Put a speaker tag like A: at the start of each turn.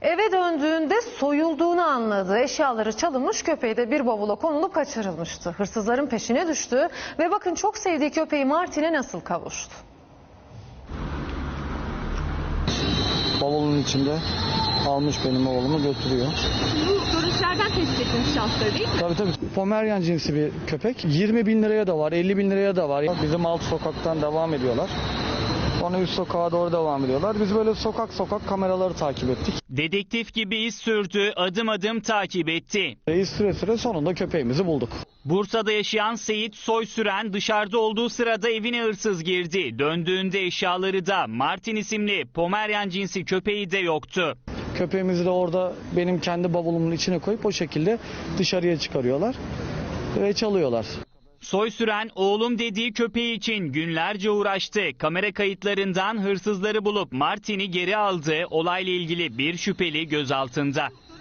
A: Eve döndüğünde soyulduğunu anladı. Eşyaları çalınmış, köpeği de bir bavula konulup kaçırılmıştı. Hırsızların peşine düştü ve bakın çok sevdiği köpeği Martin'e nasıl kavuştu.
B: Bavulun içinde almış benim oğlumu götürüyor.
C: Bu görüntülerden tespit ettiğiniz şahsları değil mi?
B: Tabii. Pomeryan cinsi bir köpek. 20 bin liraya da var, 50 bin liraya da var. Bizim alt sokaktan devam ediyorlar. Sonra üst sokağa doğru devam ediyorlar. Biz böyle sokak kameraları takip ettik.
D: Dedektif gibi iz sürdü, adım adım takip etti.
B: Reis süre sonunda köpeğimizi bulduk.
D: Bursa'da yaşayan Seyit Soysüren dışarıda olduğu sırada evine hırsız girdi. Döndüğünde eşyaları da Martin isimli Pomeryan cinsi köpeği de yoktu.
B: Köpeğimizi de orada benim kendi bavulumun içine koyup o şekilde dışarıya çıkarıyorlar ve çalıyorlar.
D: Soysüren oğlum dediği köpeği için günlerce uğraştı. Kamera kayıtlarından hırsızları bulup Martin'i geri aldı. Olayla ilgili bir şüpheli gözaltında.